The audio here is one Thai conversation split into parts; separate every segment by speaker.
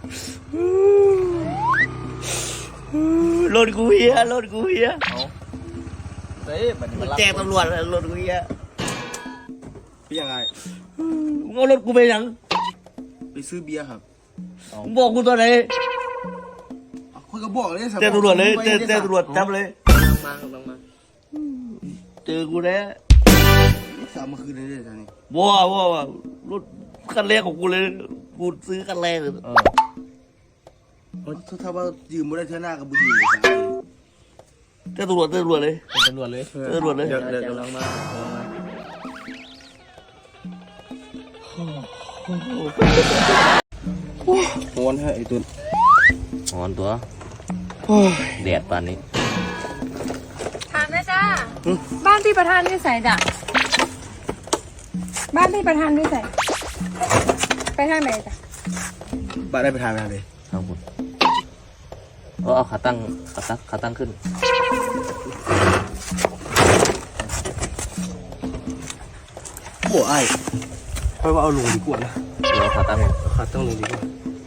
Speaker 1: รถกูเฮียรถกูเฮีย
Speaker 2: เฮ้ยมัน
Speaker 1: แจ้งตำรวจรถกูเฮีย
Speaker 2: พี่ยังไง
Speaker 1: มึงเอารถกูไปยัง
Speaker 2: ไปซื้อเบียร์ครับ
Speaker 1: มึงบอกกูตัวไหน
Speaker 2: คุยกับบอกเลย
Speaker 1: แจ้งตำรวจเลยแจ้งตำรวจจับเลย
Speaker 2: กำลังมา
Speaker 1: เจอกูแล้ว
Speaker 2: สามเมื่อคืนเลยท่านนี่
Speaker 1: ว้ารถคันแรกของกูเลยกูซื้อคันแรกเลย
Speaker 2: ถ้าว่ายืมไม่ได้เท่าหน้ากับบุญยืมเลย
Speaker 1: แจ้งตำรวจเลย
Speaker 3: ตำรวจเลย
Speaker 1: แจ้งตำรวจเลย
Speaker 3: เดี๋ยวกำลังมา
Speaker 2: โอนให้ไอ้ตุน
Speaker 1: หอนตัวแดดป่านนี้
Speaker 4: ถามนะจ้าบ้านพี่ประธานที่ใส่จ้ะบ้านพี่ประธานที่ใส่ไปทางไหนจ้ะ
Speaker 2: บ้านได้ไปทานอะไรเลย
Speaker 1: ครับผมเอาขาตั้งขึ้น
Speaker 2: โอ้ไอ้ค่อยว่าเอาลงดีกว่านะ
Speaker 1: เดี๋ยวขาตั้งเลย
Speaker 2: ขาต้องลงดีกว่า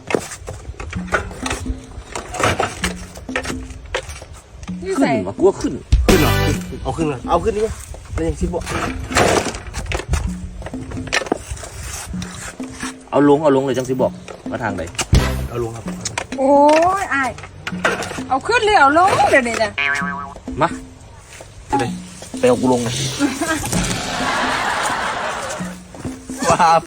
Speaker 4: ที่
Speaker 1: ขึ้
Speaker 4: ใส่
Speaker 1: นมากลัวขึ้น
Speaker 2: ขึ้นเหรอเอาขึ้นเลยเอาขึ้นดีกว่าแล้วยังซิบบอก
Speaker 1: เอาลงเลยจังสิบอกมาทางไหน
Speaker 2: เอาลงครับ
Speaker 4: โอ้ยอายเอาขึ้นเลยเอาลงเดี๋ยวนี้จ้ะ
Speaker 1: มาไปเอากูลงเลย
Speaker 2: ว้า